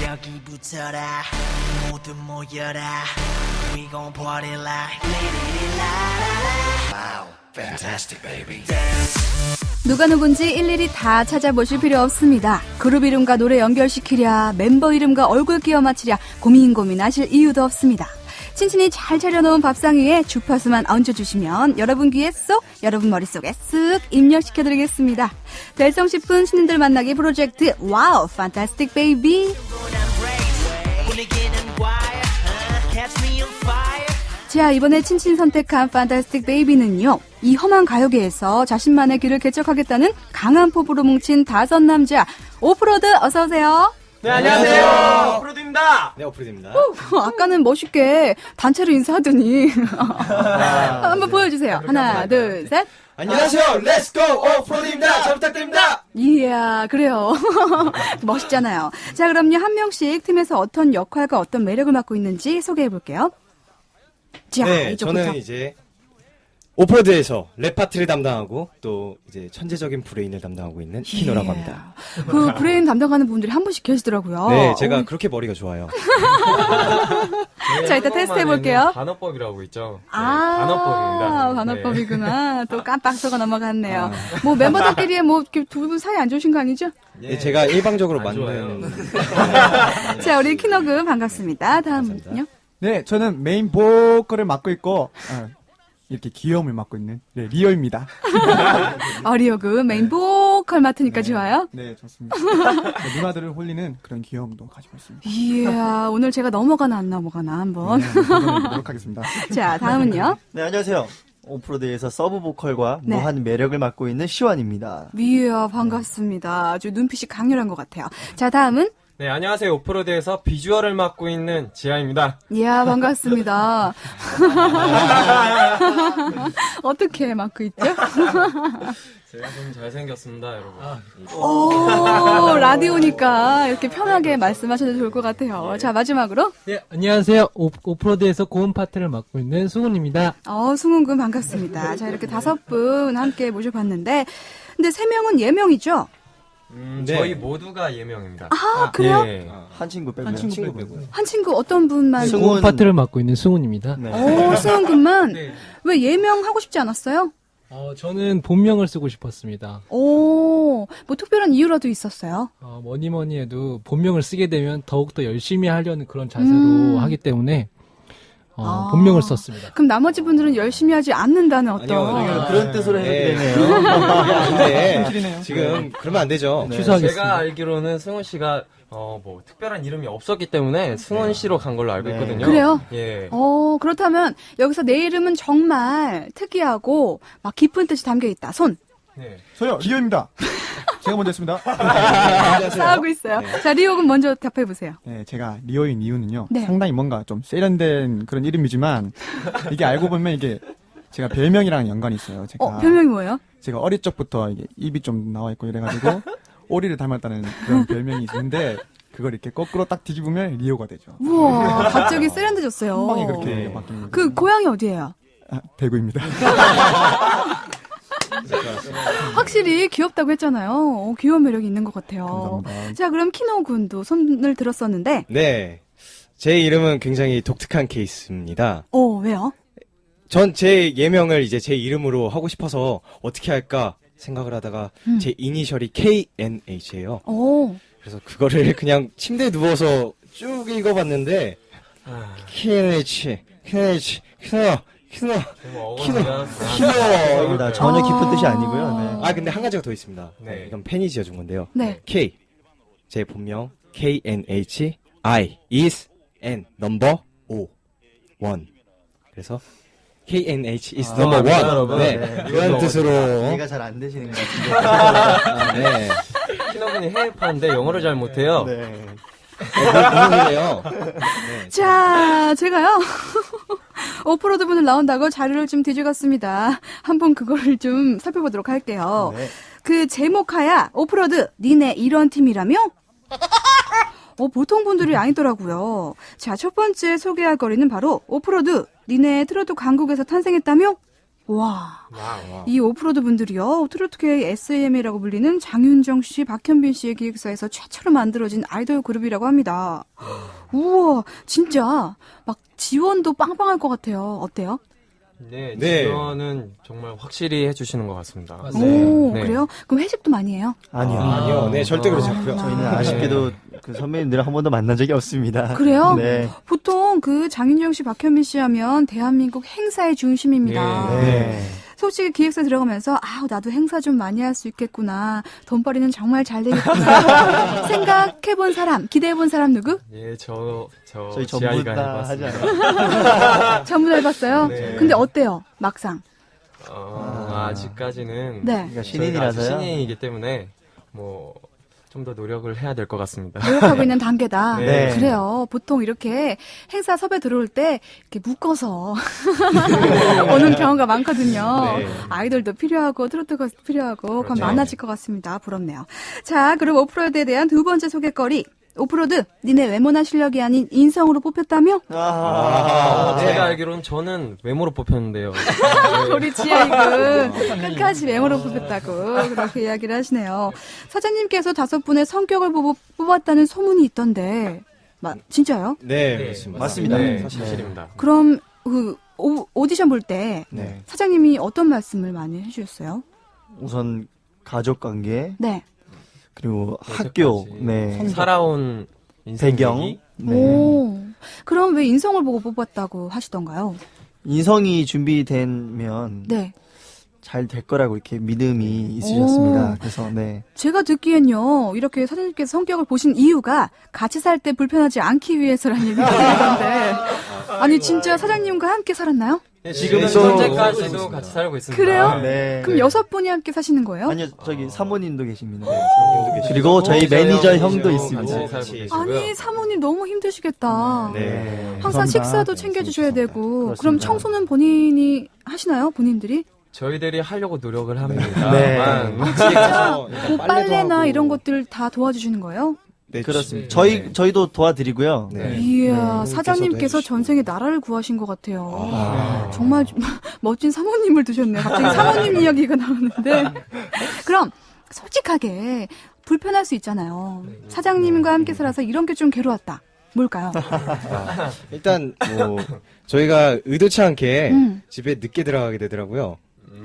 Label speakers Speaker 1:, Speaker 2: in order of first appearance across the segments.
Speaker 1: 여기 붙어라 모두 모여라 We gon' party like Wow, fantastic baby
Speaker 2: 누가 누군지 일일이 다 찾아보실 필요 없습니다. 그룹 이름과 노래 연결시키랴, 멤버 이름과 얼굴 끼워 맞추랴 고민하실 이유도 없습니다. 친친이 잘 차려놓은 밥상 위에 주파수만 얹어주시면 여러분 귀에 쏙, 여러분 머릿속에 쓱 입력시켜드리겠습니다. 될성 싶은 신인들 만나기 프로젝트 와우, 판타스틱 베이비. 자, 이번에 친친 선택한 판타스틱 베이비는요, 이 험한 가요계에서 자신만의 길을 개척하겠다는 강한 포부로 뭉친 5남자 오프로드 어서오세요.
Speaker 3: 네, 안녕하세요. 오프로드입니다. 네, 오프로드입니다.
Speaker 2: 아까는 멋있게 단체로 인사하더니 한번 보여주세요. 하나, 둘, 셋.
Speaker 3: 안녕하세요. 렛츠고 오프로드입니다. 잘 부탁드립니다.
Speaker 2: 이야, 그래요. 멋있잖아요. 자, 그럼요. 한 명씩 팀에서 어떤 역할과 어떤 매력을 맡고 있는지 소개해볼게요. 자,
Speaker 4: 네,
Speaker 2: 이쪽부터.
Speaker 4: 저는 이제 오프로드에서 랩 파트를 담당하고 또 이제 천재적인 브레인을 담당하고 있는 키노라고 합니다.
Speaker 2: 그 브레인 담당하는 분들이 한 분씩 계시더라고요.
Speaker 4: 네, 제가 그렇게 머리가 좋아요.
Speaker 2: 자, 일단 테스트 해볼게요.
Speaker 5: 반어법이라고 있죠. 네,
Speaker 2: 아,
Speaker 5: 반어법입니다.
Speaker 2: 반어법이구나. 또 깜빡 속아 넘어갔네요. 뭐 멤버들끼리 뭐 두 분 사이 안 좋으신 거 아니죠?
Speaker 4: 네, 제가 일방적으로
Speaker 5: 안
Speaker 4: 만든.
Speaker 2: 자, 우리 키노그 반갑습니다. 다음은요?
Speaker 6: 네, 저는 메인 보컬을 맡고 있고 이렇게 귀여움을 맡고 있는 리오입니다.
Speaker 2: 어리오그 메인 보컬 맡으니까 좋아요.
Speaker 6: 네, 좋습니다. 네, 누나들을 홀리는 그런 귀여움도 가지고 있습니다.
Speaker 2: 이야, 오늘 제가 넘어가나 안 넘어가나 한번.
Speaker 6: 네, 노력하겠습니다.
Speaker 2: 자, 다음은요?
Speaker 7: 네, 안녕하세요. 오프로드에서 서브 보컬과
Speaker 2: 네.
Speaker 7: 무한 매력을 맡고 있는 시완입니다.
Speaker 2: 이야, 반갑습니다. 아주 눈빛이 강렬한 것 같아요. 자, 다음은?
Speaker 5: 네, 안녕하세요. 오프로드에서 비주얼을 맡고 있는 지아입니다.
Speaker 2: 이야, 반갑습니다. 어떻게 맡고 있죠?
Speaker 5: 제가 좀 잘생겼습니다, 여러분.
Speaker 2: 오, 라디오니까 이렇게 편하게 말씀하셔도 좋을 것 같아요. 자, 마지막으로.
Speaker 8: 네, 안녕하세요. 오프로드에서 고음 파트를 맡고 있는 승훈입니다.
Speaker 2: 승훈군 반갑습니다. 자, 이렇게 5분 함께 모셔봤는데, 근데 3명은 예명이죠?
Speaker 4: 네.
Speaker 5: 저희 모두가 예명입니다.
Speaker 2: 아, 그래요?
Speaker 5: 네.
Speaker 7: 한 친구 빼고요.
Speaker 4: 친구 빼고.
Speaker 2: 한 친구 어떤 분만?
Speaker 7: 승훈.
Speaker 8: 고음 파트를 맡고 있는 승훈입니다.
Speaker 7: 네.
Speaker 2: 승훈군만?
Speaker 8: 네.
Speaker 2: 왜 예명하고 싶지 않았어요?
Speaker 8: 저는 본명을 쓰고 싶었습니다.
Speaker 2: 뭐 특별한 이유라도 있었어요?
Speaker 8: 뭐니 해도 본명을 쓰게 되면 더욱더 열심히 하려는 그런 자세로 하기 때문에 본명을 썼습니다.
Speaker 2: 그럼 나머지 분들은 열심히 하지 않는다는 어떤.
Speaker 4: 아니요.
Speaker 7: 그런 뜻으로 해도
Speaker 4: 네.
Speaker 7: 되네요.
Speaker 4: 근데 지금 그러면 안 되죠.
Speaker 8: 취소하겠습니다.
Speaker 5: 제가 알기로는 승훈 씨가 뭐 특별한 이름이 없었기 때문에 승훈 씨로 간 걸로 알고 있거든요.
Speaker 2: 그래요?
Speaker 5: 예.
Speaker 2: 그렇다면 여기서 내 이름은 정말 특이하고 막 깊은 뜻이 담겨 있다. 손.
Speaker 5: 네.
Speaker 6: 저요, 리오입니다. 제가 먼저 했습니다.
Speaker 2: 싸우고 있어요. 자, 리오군 먼저 답해보세요.
Speaker 6: 네, 제가 리오인 이유는요.
Speaker 2: 네.
Speaker 6: 상당히 뭔가 좀 세련된 그런 이름이지만 이게 알고 보면 이게 제가 별명이랑 연관이 있어요.
Speaker 2: 별명이 뭐예요?
Speaker 6: 제가 어릴 적부터 이게 입이 좀 나와 있고 이래가지고 오리를 닮았다는 그런 별명이 있는데 그걸 이렇게 거꾸로 딱 뒤집으면 리오가 되죠.
Speaker 2: 우와, 갑자기 세련돼졌어요.
Speaker 6: 한 방에 그렇게 바뀌는 거죠.
Speaker 2: 그 고향이 어디예요?
Speaker 6: 대구입니다.
Speaker 2: 확실히 귀엽다고 했잖아요. 귀여운 매력이 있는 것 같아요.
Speaker 6: 감사합니다.
Speaker 2: 자, 그럼 키노 군도 손을 들었었는데,
Speaker 4: 네. 제 이름은 굉장히 독특한 케이스입니다.
Speaker 2: 왜요?
Speaker 4: 전 제 예명을 이제 제 이름으로 하고 싶어서 어떻게 할까 생각을 하다가 제 이니셜이 KNH예요. 그래서 그거를 그냥 침대에 누워서 쭉 읽어봤는데 KNH, 키노.
Speaker 5: 좀 어거지가.
Speaker 7: 아닙니다. 전혀 깊은 뜻이 아니고요. 네.
Speaker 4: 근데 한 가지가 더 있습니다.
Speaker 5: 네.
Speaker 4: 이건 팬이 지어준 건데요.
Speaker 2: 네.
Speaker 4: K. 제 본명 KNH I is N number 1. 그래서 KNH is number 1.
Speaker 5: 여러분.
Speaker 4: 네.
Speaker 5: 네.
Speaker 4: 그런 뜻으로.
Speaker 7: 이해가 잘 안 되시는 것 같은데.
Speaker 4: 네.
Speaker 5: 키노분이 해외파인데 영어를 잘 못해요.
Speaker 7: 네.
Speaker 4: 무슨 소리예요?
Speaker 2: 자, 제가요. 오프로드 분을 나온다고 자료를 좀 뒤져갔습니다. 한번 그거를 좀 살펴보도록 할게요.
Speaker 7: 네.
Speaker 2: 그 제목하야 오프로드 니네 이런 팀이라며? 보통 분들이 아니더라고요. 자, 첫 번째 소개할 거리는 바로 오프로드 니네 트로트 강국에서 탄생했다며? 와.
Speaker 5: 와우.
Speaker 2: 이 오프로드 분들이요, 트로트계의 SAM이라고 불리는 장윤정 씨, 박현빈 씨의 기획사에서 최초로 만들어진 아이돌 그룹이라고 합니다. 우와, 진짜 막 지원도 빵빵할 것 같아요. 어때요?
Speaker 5: 네,
Speaker 4: 네.
Speaker 5: 지원은 정말 확실히 해주시는 것 같습니다.
Speaker 8: 맞습니다.
Speaker 2: 오,
Speaker 5: 네.
Speaker 2: 그래요? 그럼 회식도 많이 해요?
Speaker 7: 아니요.
Speaker 4: 아니요, 네, 절대 그러지
Speaker 2: 아,
Speaker 4: 않고요.
Speaker 7: 저희는 아쉽게도 그 선배님들을 한 번도 만난 적이 없습니다.
Speaker 2: 그래요?
Speaker 7: 네.
Speaker 2: 보통 그 장윤정 씨, 박현빈 씨 하면 대한민국 행사의 중심입니다.
Speaker 5: 예.
Speaker 7: 네.
Speaker 2: 솔직히 기획사 들어가면서 아 나도 행사 좀 많이 할 수 있겠구나. 돈벌이는 정말 잘 되겠구나. 생각해본 사람, 기대해본 사람 누구?
Speaker 5: 예,
Speaker 7: 저희 전부
Speaker 5: 지아이가
Speaker 7: 다 하지
Speaker 5: 해봤습니다.
Speaker 7: 않아요.
Speaker 2: 전부 다 해봤어요?
Speaker 5: 네.
Speaker 2: 근데 어때요? 막상.
Speaker 5: 아직까지는
Speaker 2: 네.
Speaker 7: 그러니까 신인이라서요.
Speaker 5: 저희가 아직 신인이기 때문에 뭐 좀 더 노력을 해야 될 것 같습니다.
Speaker 2: 노력하고 있는 단계다.
Speaker 5: 네.
Speaker 2: 그래요. 보통 이렇게 행사 섭외 들어올 때 이렇게 묶어서 오는 경우가 많거든요.
Speaker 4: 네.
Speaker 2: 아이돌도 필요하고 트로트가 필요하고 그럼
Speaker 5: 그렇죠.
Speaker 2: 많아질 것 같습니다. 부럽네요. 자, 그럼 오프로드에 대한 두 번째 소개거리. 오프로드, 니네 외모나 실력이 아닌 인성으로 뽑혔다며?
Speaker 5: 제가 알기로는 저는 외모로 뽑혔는데요.
Speaker 2: 우리 지아이군 끝까지 외모로 뽑혔다고 그렇게 이야기를 하시네요. 사장님께서 5분의 성격을 보고 뽑았다는 소문이 있던데 진짜요?
Speaker 4: 네, 그렇습니다.
Speaker 7: 맞습니다.
Speaker 5: 네,
Speaker 7: 네.
Speaker 5: 사실입니다.
Speaker 2: 그럼 그 오디션 볼 때
Speaker 7: 네.
Speaker 2: 사장님이 어떤 말씀을 많이 해주셨어요?
Speaker 7: 우선 가족 관계
Speaker 2: 네.
Speaker 7: 그리고 학교,
Speaker 5: 여태까지
Speaker 7: 네.
Speaker 5: 살아온 인생
Speaker 7: 배경,
Speaker 5: 얘기?
Speaker 7: 네.
Speaker 2: 오. 그럼 왜 인성을 보고 뽑았다고 하시던가요?
Speaker 7: 인성이 준비되면
Speaker 2: 네.
Speaker 7: 잘 될 거라고 이렇게 믿음이 있으셨습니다.
Speaker 2: 오.
Speaker 7: 그래서 네.
Speaker 2: 제가 듣기엔요, 이렇게 사장님께서 성격을 보신 이유가 같이 살 때 불편하지 않기 위해서라는 얘기가 있던데. 아니, 진짜 사장님과 함께 살았나요?
Speaker 5: 지금은
Speaker 7: 또-
Speaker 5: 현재까지도 같이 살고 있습니다.
Speaker 2: 그래요?
Speaker 7: 네.
Speaker 2: 그럼 6분이 함께 사시는 거예요?
Speaker 7: 아니요, 저기 사모님도 계십니다.
Speaker 4: 계시고.
Speaker 7: 그리고 저희 매니저 형도
Speaker 5: 같이
Speaker 7: 있습니다.
Speaker 5: 살고
Speaker 4: 같이.
Speaker 5: 계시고요.
Speaker 2: 아니, 사모님 너무 힘드시겠다.
Speaker 4: 네.
Speaker 2: 항상
Speaker 7: 감사합니다.
Speaker 2: 식사도
Speaker 7: 네,
Speaker 2: 챙겨주셔야 되고.
Speaker 7: 그렇습니다.
Speaker 2: 그럼 청소는 본인이 하시나요? 본인들이?
Speaker 5: 저희들이 하려고 노력을 합니다.
Speaker 7: 네.
Speaker 2: 진짜
Speaker 4: 일단
Speaker 2: 뭐 빨래나
Speaker 4: 하고.
Speaker 2: 이런 것들 다 도와주시는 거예요?
Speaker 4: 네,
Speaker 7: 그렇습니다.
Speaker 4: 네.
Speaker 7: 저희도 도와드리고요.
Speaker 4: 네.
Speaker 2: 이야,
Speaker 4: 네.
Speaker 2: 사장님께서
Speaker 4: 해주시고.
Speaker 2: 전생에 나라를 구하신 것 같아요. 정말 멋진 사모님을 두셨네요. 갑자기 사모님 이야기가 나오는데. 그럼 솔직하게 불편할 수 있잖아요. 사장님과 함께 살아서 이런 게 좀 괴로웠다. 뭘까요?
Speaker 4: 일단 뭐 저희가 의도치 않게
Speaker 2: 음.
Speaker 4: 집에 늦게 들어가게 되더라고요.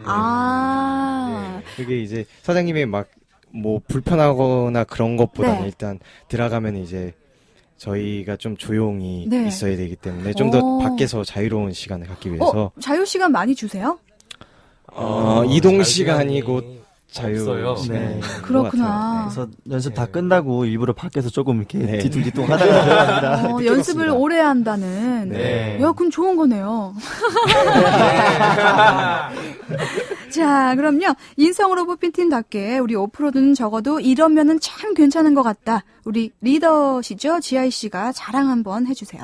Speaker 2: 아,
Speaker 4: 그게 이제 사장님이 막 뭐 불편하거나 그런 것보다는
Speaker 2: 네.
Speaker 4: 일단 들어가면 이제 저희가 좀 조용히
Speaker 2: 네.
Speaker 4: 있어야 되기 때문에 좀 더
Speaker 2: 오.
Speaker 4: 밖에서 자유로운 시간을 갖기 위해서
Speaker 2: 자유 시간 많이 주세요?
Speaker 4: 이동 시간이고 자유
Speaker 5: 없어요.
Speaker 4: 시간인
Speaker 7: 네.
Speaker 4: 것
Speaker 2: 그렇구나.
Speaker 4: 같아요.
Speaker 7: 그래서 연습 다 끝나고 일부러 밖에서 조금 이렇게
Speaker 4: 네.
Speaker 7: 뒤뚱뒤뚱 하다가 들어갑니다.
Speaker 2: 연습을
Speaker 4: 들었습니다.
Speaker 2: 오래 한다는.
Speaker 4: 네.
Speaker 2: 야, 그럼 좋은 거네요. 자, 그럼요. 인성으로 뽑힌 팀답게 우리 오프로드는 적어도 이러면은 참 괜찮은 것 같다. 우리 리더시죠? 지아이 씨가 자랑 한번 해주세요.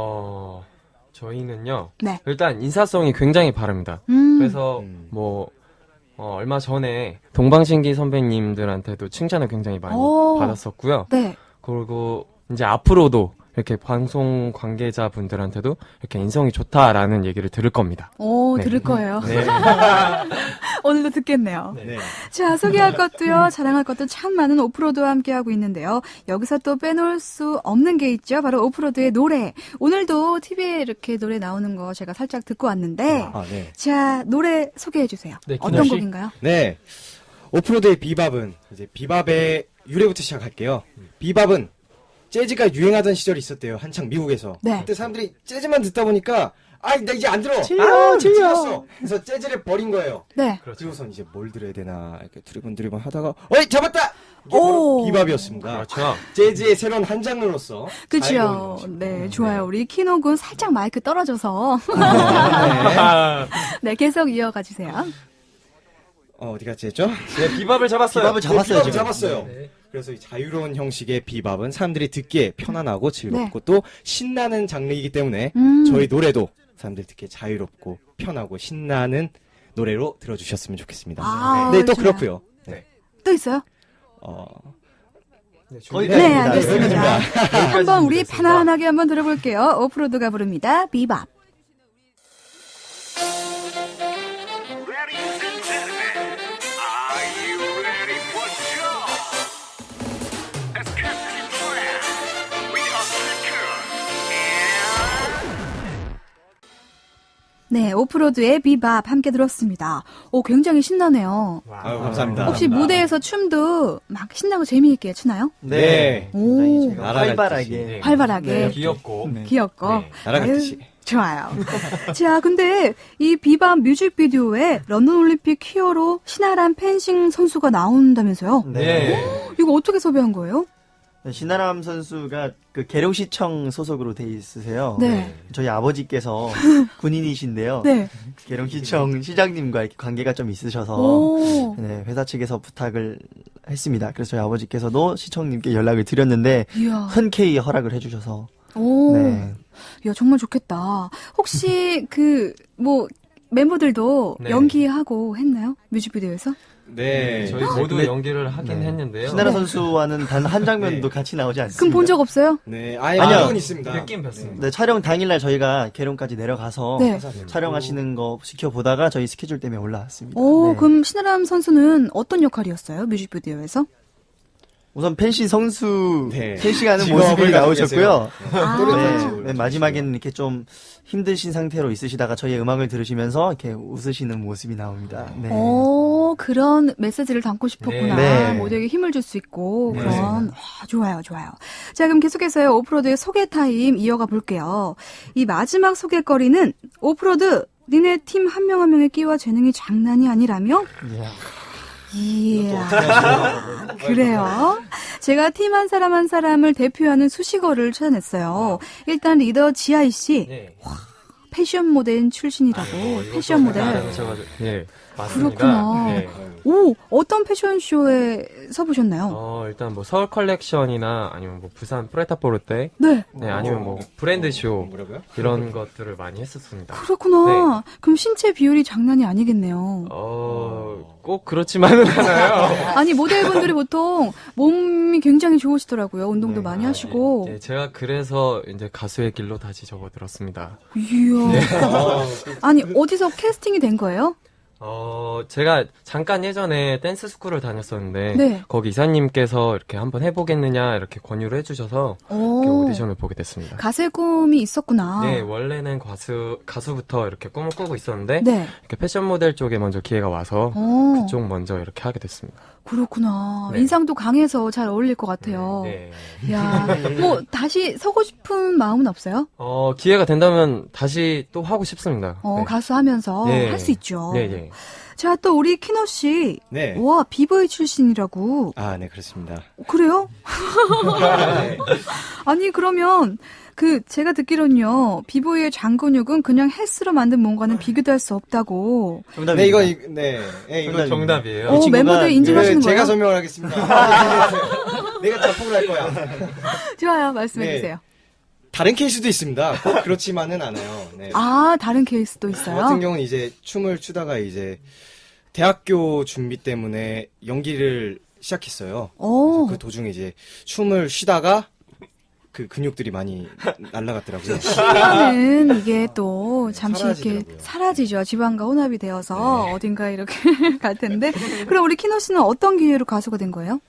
Speaker 5: 저희는요.
Speaker 2: 네.
Speaker 5: 일단 인사성이 굉장히 바릅니다. 그래서 뭐 얼마 전에 동방신기 선배님들한테도 칭찬을 굉장히 많이
Speaker 2: 오.
Speaker 5: 받았었고요.
Speaker 2: 네.
Speaker 5: 그리고 이제 앞으로도 이렇게 방송 관계자분들한테도 이렇게 인성이 좋다라는 얘기를 들을 겁니다.
Speaker 2: 오,
Speaker 5: 네.
Speaker 2: 들을 거예요.
Speaker 5: 네.
Speaker 2: 오늘도 듣겠네요.
Speaker 4: 네.
Speaker 2: 자, 소개할 것도요, 자랑할 것도 참 많은 오프로드와 함께하고 있는데요. 여기서 또 빼놓을 수 없는 게 있죠. 바로 오프로드의 노래. 오늘도 TV에 이렇게 노래 나오는 거 제가 살짝 듣고 왔는데,
Speaker 4: 네.
Speaker 2: 자, 노래 소개해 주세요.
Speaker 8: 네,
Speaker 2: 어떤
Speaker 8: 김현 씨?
Speaker 2: 곡인가요?
Speaker 4: 네. 오프로드의 비밥은 이제 비밥의 유래부터 시작할게요. 비밥은 재즈가 유행하던 시절이 있었대요. 한창 미국에서.
Speaker 2: 네.
Speaker 4: 그때 사람들이 재즈만 듣다 보니까 나 이제 안 들어. 질렸어. 그래서 재즈를 버린 거예요.
Speaker 2: 네.
Speaker 4: 그리고선 이제 뭘 들어야 되나 이렇게 두리번두리번 하다가 어이 잡았다. 이게 바로
Speaker 2: 오.
Speaker 4: 비밥이었습니다.
Speaker 5: 그렇죠.
Speaker 4: 재즈의 새로운 한 장르로서
Speaker 2: 그쵸.
Speaker 4: 자유로운 음식.
Speaker 2: 네, 좋아요. 우리 키노군 살짝 마이크 떨어져서. 네, 계속 이어가 주세요.
Speaker 4: 어디 갔지 했죠?
Speaker 5: 네, 비밥을 잡았어요.
Speaker 7: 비밥을 잡았어요,
Speaker 4: 비밥을
Speaker 7: 지금.
Speaker 4: 잡았어요.
Speaker 8: 네.
Speaker 4: 그래서 이 자유로운 형식의 비밥은 사람들이 듣기에 편안하고 즐겁고 또 신나는 장르이기 때문에 저희 노래도 사람들이 듣기에 자유롭고 편하고 신나는 노래로 들어주셨으면 좋겠습니다.
Speaker 2: 아,
Speaker 4: 네, 또
Speaker 2: 좋아요.
Speaker 4: 그렇고요. 네.
Speaker 2: 또 있어요?
Speaker 5: 네,
Speaker 7: 거의
Speaker 2: 네,
Speaker 7: 네,
Speaker 2: 알겠습니다. 한번 우리 편안하게 한번 들어볼게요. 오프로드가 부릅니다. 비밥. 네, 오프로드의 비밥 함께 들었습니다. 오, 굉장히 신나네요.
Speaker 4: 아유, 감사합니다.
Speaker 2: 혹시 무대에서 춤도 막 신나고 재미있게 추나요?
Speaker 4: 네.
Speaker 2: 오,
Speaker 7: 제가
Speaker 4: 날아갈
Speaker 7: 활발하게.
Speaker 4: 듯이.
Speaker 2: 활발하게.
Speaker 5: 네, 귀엽고.
Speaker 6: 네.
Speaker 2: 귀엽고.
Speaker 5: 네,
Speaker 4: 날아갈
Speaker 2: 아유,
Speaker 4: 듯이.
Speaker 2: 좋아요. 자, 근데 이 비밥 뮤직비디오에 런던 올림픽 히어로 신아람 펜싱 선수가 나온다면서요?
Speaker 7: 네.
Speaker 2: 이거 어떻게 섭외한 거예요?
Speaker 7: 신아람 선수가 그 계룡시청 소속으로 돼 있으세요.
Speaker 2: 네.
Speaker 7: 저희 아버지께서 군인이신데요.
Speaker 2: 네.
Speaker 7: 계룡시청 시장님과 이렇게 관계가 좀 있으셔서
Speaker 2: 오.
Speaker 7: 네, 회사 측에서 부탁을 했습니다. 그래서 저희 아버지께서도 시청님께 연락을 드렸는데
Speaker 2: 이야.
Speaker 7: 흔쾌히 허락을 해주셔서
Speaker 2: 오.
Speaker 7: 네.
Speaker 2: 야, 정말 좋겠다. 혹시 멤버들도
Speaker 5: 네.
Speaker 2: 연기하고 했나요? 뮤직비디오에서?
Speaker 4: 네.
Speaker 5: 저희 모두
Speaker 7: 근데-
Speaker 5: 연기를 하긴
Speaker 7: 네.
Speaker 5: 했는데요.
Speaker 7: 신아람 선수와는 단 한 장면도 같이 나오지 않습니다.
Speaker 2: 그럼 본 적 없어요?
Speaker 4: 네. 아예
Speaker 7: 아니요.
Speaker 4: 알고는 있습니다.
Speaker 5: 느낌 뵀습니다.
Speaker 7: 네, 촬영 당일날 저희가 계룡까지 내려가서
Speaker 2: 네.
Speaker 7: 촬영하시는 거 지켜보다가 저희 스케줄 때문에 올라왔습니다.
Speaker 2: 오,
Speaker 7: 네.
Speaker 2: 그럼 신아람 선수는 어떤 역할이었어요? 뮤직비디오에서?
Speaker 7: 우선 펜시 선수
Speaker 4: 네.
Speaker 7: 펜싱하는
Speaker 4: 직업을
Speaker 7: 모습이
Speaker 4: 가지고
Speaker 7: 나오셨고요.
Speaker 2: 아.
Speaker 7: 네, 마지막에는 이렇게 좀 힘드신 상태로 있으시다가 저희의 음악을 들으시면서 이렇게 웃으시는 모습이 나옵니다. 네.
Speaker 2: 오, 그런 메시지를 담고 싶었구나.
Speaker 7: 네.
Speaker 2: 모두에게 힘을 줄 수 있고,
Speaker 7: 네.
Speaker 2: 그런. 좋아요, 좋아요. 자, 그럼 계속해서요, 오프로드의 소개 타임 이어가 볼게요. 이 마지막 소개거리는, 오프로드, 니네 팀 한 명 한 명의 끼와 재능이 장난이 아니라며?
Speaker 7: 이야.
Speaker 2: 이야. 그래요. 제가 팀 한 사람 한 사람을 대표하는 수식어를 찾아냈어요. 일단 리더 지아이 씨,
Speaker 5: 네.
Speaker 2: 패션 모델 출신이라고. 패션 모델.
Speaker 5: 네, 맞습니다.
Speaker 2: 그렇구나.
Speaker 5: 네.
Speaker 2: 오, 어떤 패션쇼에 서보셨나요?
Speaker 5: 일단 뭐 서울 컬렉션이나 아니면 뭐 부산 프레타포르테,
Speaker 2: 네.
Speaker 5: 네, 아니면 뭐 브랜드 쇼
Speaker 4: 뭐라고요?
Speaker 5: 이런 것들을 많이 했었습니다.
Speaker 2: 그렇구나. 그럼 신체 비율이 장난이 아니겠네요.
Speaker 5: 꼭 그렇지만은 않아요.
Speaker 2: 아니, 모델분들이 보통 몸이 굉장히 좋으시더라고요. 운동도 많이 하시고.
Speaker 5: 네, 제가 그래서 이제 가수의 길로 다시 접어들었습니다.
Speaker 2: 이야. 아니, 어디서 캐스팅이 된 거예요?
Speaker 5: 제가 잠깐 예전에 댄스 스쿨을 다녔었는데,
Speaker 2: 네.
Speaker 5: 거기 이사님께서 이렇게 한번 해보겠느냐, 이렇게 권유를 해주셔서, 이렇게
Speaker 2: 오,
Speaker 5: 오디션을 보게 됐습니다.
Speaker 2: 가수의 꿈이 있었구나.
Speaker 5: 네, 원래는 가수부터 이렇게 꿈을 꾸고 있었는데,
Speaker 2: 네.
Speaker 5: 이렇게 패션 모델 쪽에 먼저 기회가 와서,
Speaker 2: 오,
Speaker 5: 그쪽 먼저 이렇게 하게 됐습니다.
Speaker 2: 그렇구나.
Speaker 5: 네.
Speaker 2: 인상도 강해서 잘 어울릴 것 같아요.
Speaker 5: 네.
Speaker 2: 야, 뭐, 다시 서고 싶은 마음은 없어요?
Speaker 5: 기회가 된다면 다시 또 하고 싶습니다. 네.
Speaker 2: 가수 하면서
Speaker 5: 네.
Speaker 2: 할 수 있죠.
Speaker 5: 네, 네.
Speaker 2: 자, 또 우리 키노 씨.
Speaker 4: 네.
Speaker 2: 와, 비보이 출신이라고.
Speaker 4: 아, 네, 그렇습니다.
Speaker 2: 그래요?
Speaker 4: 네.
Speaker 2: 아니, 그러면, 제가 듣기로는요, 비보이의 장근육은 그냥 헬스로 만든 뭔가는 비교도 할 수 없다고.
Speaker 7: 정답입니다.
Speaker 4: 네, 이거
Speaker 5: 이거 정답이에요.
Speaker 7: 이 친구가-
Speaker 2: 멤버들 인증하시는 거예요?
Speaker 4: 제가 설명을 하겠습니다. 내가 자폭을 할 거야.
Speaker 2: 좋아요, 말씀해주세요.
Speaker 4: 다른 케이스도 있습니다. 꼭 그렇지만은 않아요. 네.
Speaker 2: 아, 다른 케이스도
Speaker 4: 저
Speaker 2: 있어요?
Speaker 4: 같은 경우는 이제 춤을 추다가 이제 대학교 준비 때문에 연기를 시작했어요.
Speaker 2: 오.
Speaker 4: 그래서 그 도중에 이제 춤을 쉬다가 그 근육들이 많이 날아갔더라고요.
Speaker 2: 쉬면은 이게 또 잠시 이렇게
Speaker 4: 사라지더라고요.
Speaker 2: 사라지죠. 지방과 혼합이 되어서 어딘가 이렇게 갈 텐데. 그럼 우리 키노 씨는 어떤 기회로 가수가 된 거예요?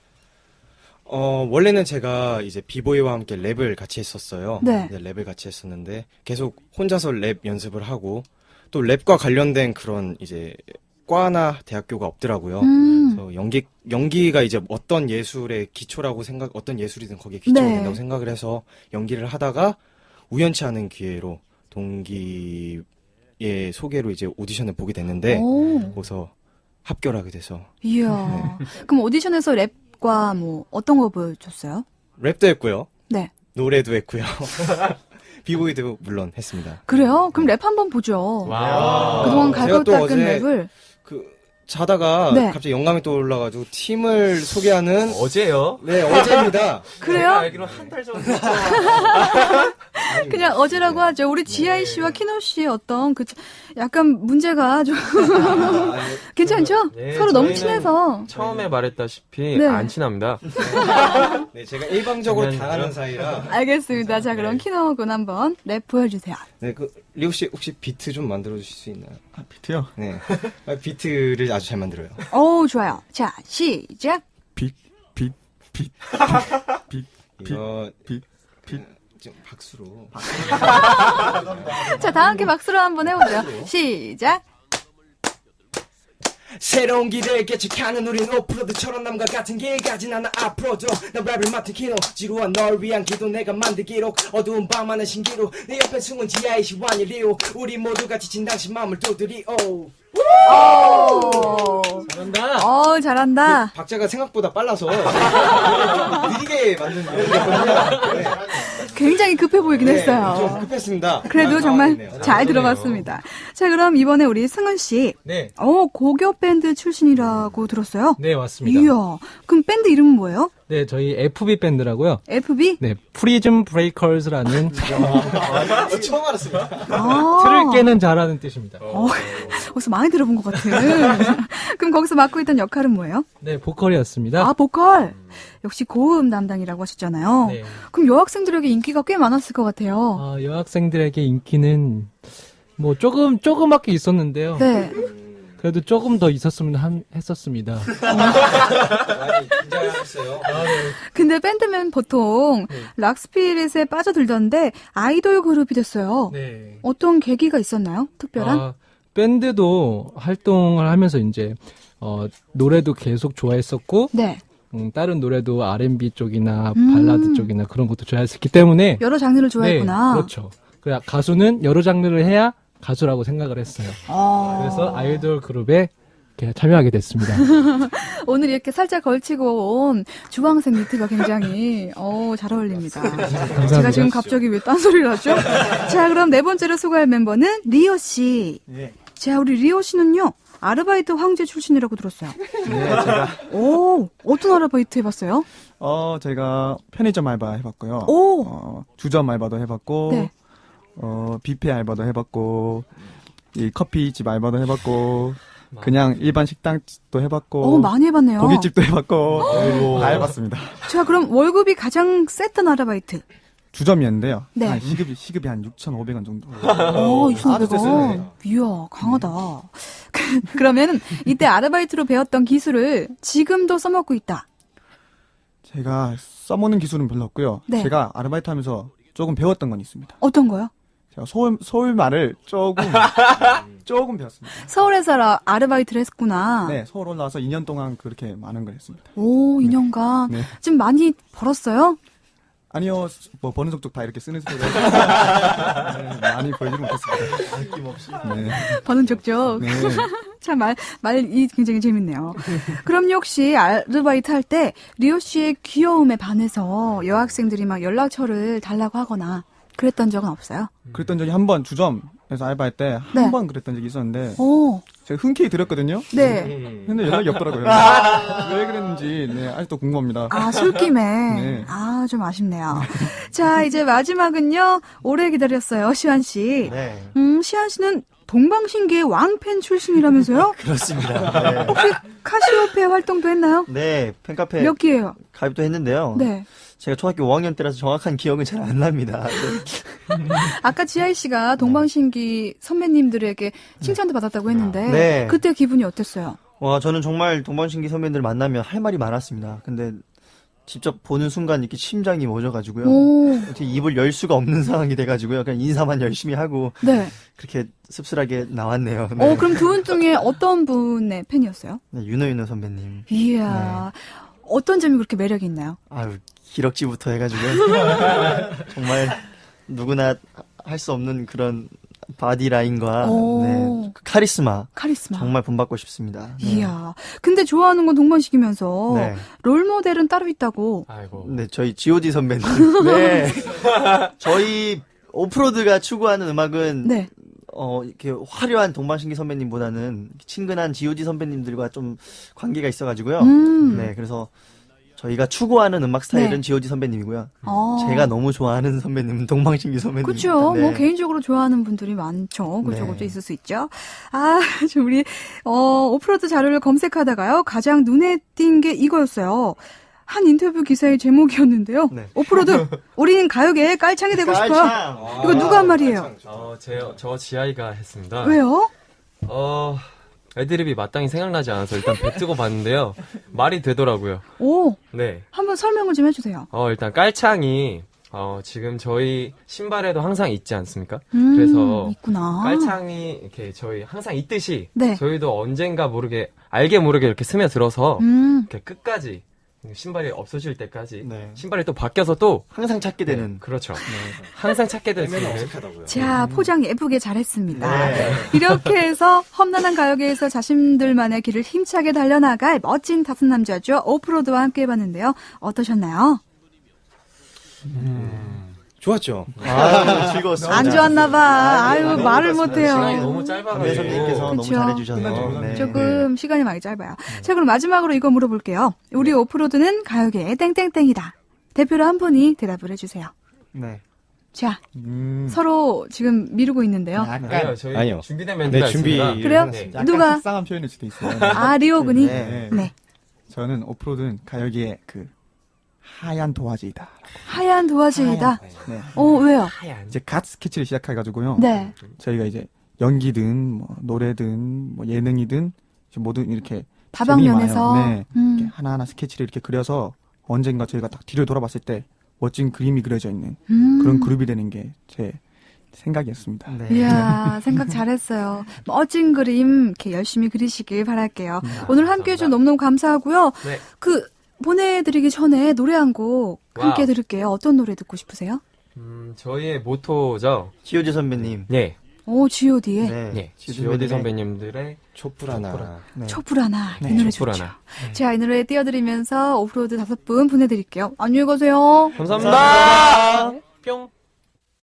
Speaker 4: 원래는 제가 이제 비보이와 함께 랩을 같이 했었어요.
Speaker 2: 네.
Speaker 4: 랩을 같이 했었는데 계속 혼자서 랩 연습을 하고 또 랩과 관련된 그런 이제 과나 대학교가 없더라고요. 그래서 연기가 이제 어떤 예술의 기초라고 어떤 예술이든 거기에 기초가
Speaker 2: 네.
Speaker 4: 된다고 생각을 해서 연기를 하다가 우연치 않은 기회로 동기의 소개로 이제 오디션을 보게 됐는데
Speaker 2: 오.
Speaker 4: 거기서 합격하게 돼서
Speaker 2: 이야. 그럼 오디션에서 랩과 뭐 어떤 거 보여줬어요?
Speaker 4: 랩도 했고요.
Speaker 2: 네.
Speaker 4: 노래도 했고요. 비보이도 물론 했습니다.
Speaker 2: 그래요? 그럼 랩 한번 보죠.
Speaker 5: 와.
Speaker 2: 그동안
Speaker 4: 제가
Speaker 2: 갈고
Speaker 4: 또
Speaker 2: 닦은
Speaker 4: 어제
Speaker 2: 랩을.
Speaker 4: 자다가
Speaker 2: 네.
Speaker 4: 갑자기 영감이 떠올라가지고 팀을 소개하는
Speaker 5: 어제요?
Speaker 4: 네 어제입니다.
Speaker 2: 그래요?
Speaker 5: 제가 알기로 한 달 전에
Speaker 2: 그냥 어제라고 하죠. 우리 지아이 씨와 키노 씨의 어떤 약간 문제가 좀 괜찮죠?
Speaker 5: 네,
Speaker 2: 서로 너무
Speaker 5: 저희는
Speaker 2: 친해서.
Speaker 5: 처음에 말했다시피
Speaker 2: 네.
Speaker 5: 안 친합니다.
Speaker 4: 네 제가 일방적으로
Speaker 5: 장난이죠?
Speaker 4: 당하는 사이라.
Speaker 2: 알겠습니다. 자, 그럼 키노 군 한번 랩 보여주세요.
Speaker 4: 네 리오 씨 혹시 비트 좀 만들어 주실 수 있나요?
Speaker 6: 비트요?
Speaker 4: 네 비트를 아주 잘 만들어요.
Speaker 2: 오, 좋아요. 자, 시작.
Speaker 6: 빛, 빛, 빛, 빛,
Speaker 4: 이거
Speaker 6: 빛, 빛.
Speaker 4: 좀 박수로.
Speaker 2: 자, 다 함께 박수로 한번 해보죠. 시작.
Speaker 3: 새로운 길을 개척하는 우린 오프로드처럼 남과 같은 길 가진 않아 앞으로도 나 랩을 맡은 키노 지루한 널 위한 기도 내가 만들 기록 어두운 밤하는 신기루 내 옆에 숨은 지하의 시완이 리오 우리 모두가 지친 당신 마음을 두드리오
Speaker 8: 잘한다.
Speaker 2: 잘한다.
Speaker 4: 박자가 생각보다 빨라서 좀 느리게 만든 거거든요. 네.
Speaker 2: 굉장히 급해 보이긴
Speaker 4: 좀
Speaker 2: 했어요.
Speaker 4: 급했습니다.
Speaker 2: 그래도 정말
Speaker 4: 당황했네요.
Speaker 2: 잘 들어봤습니다. 자, 그럼 이번에 우리 승은 씨.
Speaker 8: 네.
Speaker 2: 고교 밴드 출신이라고 들었어요?
Speaker 8: 네, 맞습니다.
Speaker 2: 이야. 그럼 밴드 이름은 뭐예요?
Speaker 8: 네, 저희 FB 밴드라고요.
Speaker 2: FB?
Speaker 8: 네, 프리즘 브레이커즈라는
Speaker 4: 처음 알았습니다.
Speaker 8: 틀을 깨는 자라는 뜻입니다.
Speaker 2: 어디서 많이 들어본 것 같은. 그럼 거기서 맡고 있던 역할은 뭐예요?
Speaker 8: 네, 보컬이었습니다.
Speaker 2: 보컬. 역시 고음 담당이라고 하셨잖아요.
Speaker 8: 네.
Speaker 2: 그럼 여학생들에게 인기가 꽤 많았을 것 같아요.
Speaker 8: 여학생들에게 인기는 뭐 조그맣게 있었는데요.
Speaker 2: 네.
Speaker 8: 그래도 조금 더 있었으면 했었습니다.
Speaker 4: 많이 긴장했어요.
Speaker 2: 근데 밴드면 보통 락스피릿에 빠져들던데 아이돌 그룹이 됐어요.
Speaker 8: 네.
Speaker 2: 어떤 계기가 있었나요? 특별한?
Speaker 8: 밴드도 활동을 하면서 이제 노래도 계속 좋아했었고
Speaker 2: 네.
Speaker 8: 다른 노래도 R&B 쪽이나 발라드 쪽이나 그런 것도 좋아했었기 때문에
Speaker 2: 여러 장르를 좋아했구나.
Speaker 8: 네, 그렇죠. 그래 가수는 여러 장르를 해야 가수라고 생각을 했어요. 그래서 아이돌 그룹에 이렇게 참여하게 됐습니다.
Speaker 2: 오늘 이렇게 살짝 걸치고 온 주황색 니트가 굉장히 잘 어울립니다. 제가 지금 갑자기 왜 딴소리를 하죠? 자, 그럼 네 번째로 소개할 멤버는 리오 씨.
Speaker 7: 네.
Speaker 2: 자, 우리 리오 씨는요. 아르바이트 황제 출신이라고 들었어요.
Speaker 6: 네, 제가
Speaker 2: 어떤 아르바이트 해봤어요?
Speaker 6: 제가 편의점 알바 해봤고요. 주점 알바도 해봤고,
Speaker 2: 네.
Speaker 6: 뷔페 알바도 해봤고, 이 커피집 알바도 해봤고, 그냥 일반 식당도 해봤고,
Speaker 2: 많이 해봤네요.
Speaker 6: 고깃집도 해봤고, 다 해봤습니다.
Speaker 2: 자, 그럼 월급이 가장 셌던 아르바이트.
Speaker 6: 주점이었는데요.
Speaker 2: 네.
Speaker 6: 시급이 한 6,500원 정도.
Speaker 2: 2,500원. 이야, 강하다. 그러면 이때 아르바이트로 배웠던 기술을 지금도 써먹고 있다.
Speaker 6: 제가 써먹는 기술은 별로 없고요.
Speaker 2: 네.
Speaker 6: 제가 아르바이트 하면서 조금 배웠던 건 있습니다.
Speaker 2: 어떤 거요?
Speaker 6: 제가 서울 말을 조금 배웠습니다.
Speaker 2: 서울에서 아르바이트를 했구나.
Speaker 6: 네, 서울 올라와서 2년 동안 그렇게 많은 걸 했습니다.
Speaker 2: 2년간.
Speaker 6: 네.
Speaker 2: 좀 많이 벌었어요?
Speaker 6: 아니요, 뭐 버는 족족 다 이렇게 쓰는 소리가 많이 벌지는 못했습니다.
Speaker 7: 아낌없이.
Speaker 6: 네.
Speaker 2: 버는 족족.
Speaker 6: 네.
Speaker 2: 참 말이 굉장히 재밌네요. 그럼 혹시 아르바이트 할 때 리오 씨의 귀여움에 반해서 여학생들이 막 연락처를 달라고 하거나 그랬던 적은 없어요?
Speaker 6: 그랬던 적이 한 번 주점에서 알바할 때 한 번 그랬던 적이 있었는데 제가 흔쾌히 드렸거든요.
Speaker 2: 네.
Speaker 6: 근데 연락이 없더라고요. 왜 그랬는지 아직도 궁금합니다.
Speaker 2: 술김에.
Speaker 6: 네.
Speaker 2: 좀 아쉽네요. 자, 이제 마지막은요. 오래 기다렸어요, 시환 씨.
Speaker 7: 네.
Speaker 2: 시환 씨는 동방신기의 왕팬 출신이라면서요?
Speaker 7: 그렇습니다. 네.
Speaker 2: 혹시 카시오페 활동도 했나요?
Speaker 7: 네, 팬카페
Speaker 2: 몇 기예요?
Speaker 7: 가입도 했는데요.
Speaker 2: 네.
Speaker 7: 제가 초등학교 5학년 때라서 정확한 기억은 잘 안 납니다. 네.
Speaker 2: 아까 지하이 씨가 동방신기 선배님들에게 칭찬도 받았다고 했는데
Speaker 7: 네.
Speaker 2: 그때 기분이 어땠어요?
Speaker 7: 와, 저는 정말 동방신기 선배님들 만나면 할 말이 많았습니다. 근데 직접 보는 순간 이렇게 심장이 멎어가지고요. 어떻게 입을 열 수가 없는 상황이 돼가지고요. 그냥 인사만 열심히 하고
Speaker 2: 네.
Speaker 7: 그렇게 씁쓸하게 나왔네요. 네.
Speaker 2: 그럼 두 분 중에 어떤 분의 팬이었어요?
Speaker 7: 네, 윤호 선배님.
Speaker 2: 이야. 어떤 점이 그렇게 매력이 있나요?
Speaker 7: 아유, 기럭지부터 해가지고요. 정말 누구나 할 수 없는 그런 바디라인과 네, 카리스마 정말 본받고 싶습니다. 네.
Speaker 2: 이야. 근데 좋아하는 건 동방신기면서
Speaker 7: 네.
Speaker 2: 롤모델은 따로 있다고.
Speaker 5: 아이고.
Speaker 7: 네, 저희 G.O.D 선배님. 네. 저희 오프로드가 추구하는 음악은
Speaker 2: 네.
Speaker 7: 이렇게 화려한 동방신기 선배님보다는 친근한 G.O.D 선배님들과 좀 관계가 있어가지고요. 네, 그래서 저희가 추구하는 음악 스타일은
Speaker 2: 네.
Speaker 7: G.O.D 선배님이고요. 제가 너무 좋아하는 선배님은 동방신기 선배님입니다.
Speaker 2: 그렇죠.
Speaker 7: 네.
Speaker 2: 뭐 개인적으로 좋아하는 분들이 많죠. 그쪽으로
Speaker 7: 네.
Speaker 2: 있을 수 있죠. 좀 우리 오프로드 자료를 검색하다가요. 가장 눈에 띈 게 이거였어요. 한 인터뷰 기사의 제목이었는데요.
Speaker 7: 네.
Speaker 2: 오프로드, 우리는 가요계의 깔창이 되고 싶어요.
Speaker 7: 깔창.
Speaker 2: 이거 누가 한 말이에요?
Speaker 5: 저 지아이가 했습니다.
Speaker 2: 왜요?
Speaker 5: 애드립이 마땅히 생각나지 않아서 일단 뱉고 봤는데요. 말이 되더라고요.
Speaker 2: 오,
Speaker 5: 네.
Speaker 2: 한번 설명을 좀 해주세요.
Speaker 5: 일단 깔창이 지금 저희 신발에도 항상 있지 않습니까? 그래서
Speaker 2: 있구나.
Speaker 5: 깔창이 이렇게 저희 항상 있듯이
Speaker 2: 네.
Speaker 5: 저희도 언젠가 모르게 알게 모르게 이렇게 스며들어서 이렇게 끝까지 신발이 없어질 때까지
Speaker 7: 네.
Speaker 5: 신발이 또 바뀌어서 또
Speaker 7: 항상 찾게 되는.
Speaker 5: 그렇죠. 항상 찾게 될 수
Speaker 4: 되면
Speaker 5: 있는
Speaker 4: 어색하다고요.
Speaker 2: 자, 포장 예쁘게 잘했습니다.
Speaker 7: 네.
Speaker 2: 이렇게 해서 험난한 가요계에서 자신들만의 길을 힘차게 달려나갈 멋진 다섯 남자죠. 오프로드와 함께 해봤는데요. 어떠셨나요?
Speaker 4: 좋았죠.
Speaker 7: 즐거웠습니다.
Speaker 2: 안 좋았나봐. 아유,
Speaker 7: 너무
Speaker 2: 말을
Speaker 7: 좋았습니다.
Speaker 2: 못해요.
Speaker 5: 시간이 너무 짧아가지고
Speaker 7: 감독님께서 너무
Speaker 2: 그쵸.
Speaker 7: 잘해주셔서. 네.
Speaker 2: 조금 시간이 많이 짧아요. 자, 그럼 마지막으로 이거 물어볼게요. 우리 오프로드는 가요계의 땡땡땡이다. 대표로 한 분이 대답을 해주세요.
Speaker 7: 네.
Speaker 2: 자, 서로 지금 미루고 있는데요.
Speaker 5: 아니요, 저희
Speaker 4: 아니요.
Speaker 5: 준비된 멘트가
Speaker 4: 네, 준비.
Speaker 5: 있습니다.
Speaker 2: 그래요?
Speaker 5: 네.
Speaker 6: 약간
Speaker 2: 누가?
Speaker 6: 속상한 표현일 수도 있어요.
Speaker 2: 아, 리오군이?
Speaker 7: 네.
Speaker 2: 네.
Speaker 6: 저는 오프로드는 가요계의 그 하얀 도화지이다.
Speaker 2: 하얀 도화지이다.
Speaker 6: 네.
Speaker 2: 왜요?
Speaker 5: 하얀.
Speaker 6: 이제 갓 스케치를 시작해가지고요.
Speaker 2: 네.
Speaker 6: 저희가 이제 연기든 뭐 노래든 뭐 예능이든 모든 이렇게
Speaker 2: 다방면에서.
Speaker 6: 재미 많아요. 네. 이렇게 하나하나 스케치를 이렇게 그려서 언젠가 저희가 딱 뒤를 돌아봤을 때 멋진 그림이 그려져 있는 그런 그룹이 되는 게 제 생각이었습니다.
Speaker 7: 네.
Speaker 2: 이야, 생각 잘했어요. 멋진 그림 이렇게 열심히 그리시길 바랄게요. 오늘 함께 해준 너무너무 감사하고요.
Speaker 5: 네.
Speaker 2: 보내드리기 전에 노래 한 곡 함께
Speaker 5: 와우.
Speaker 2: 들을게요. 어떤 노래 듣고 싶으세요?
Speaker 5: 저희의 모토죠.
Speaker 7: 지효지 선배님.
Speaker 5: 네.
Speaker 2: G.O.D의
Speaker 5: 네.
Speaker 7: 지효지
Speaker 5: G.O.D
Speaker 7: 선배님의
Speaker 5: 선배님들의
Speaker 4: 촛불하나.
Speaker 7: 네.
Speaker 2: 촛불하나. 이 노래 좋죠.
Speaker 5: 촛불하나.
Speaker 2: 자, 이 노래 띄워드리면서 오프로드 5분 보내드릴게요. 안녕히 가세요.
Speaker 5: 감사합니다. 뿅.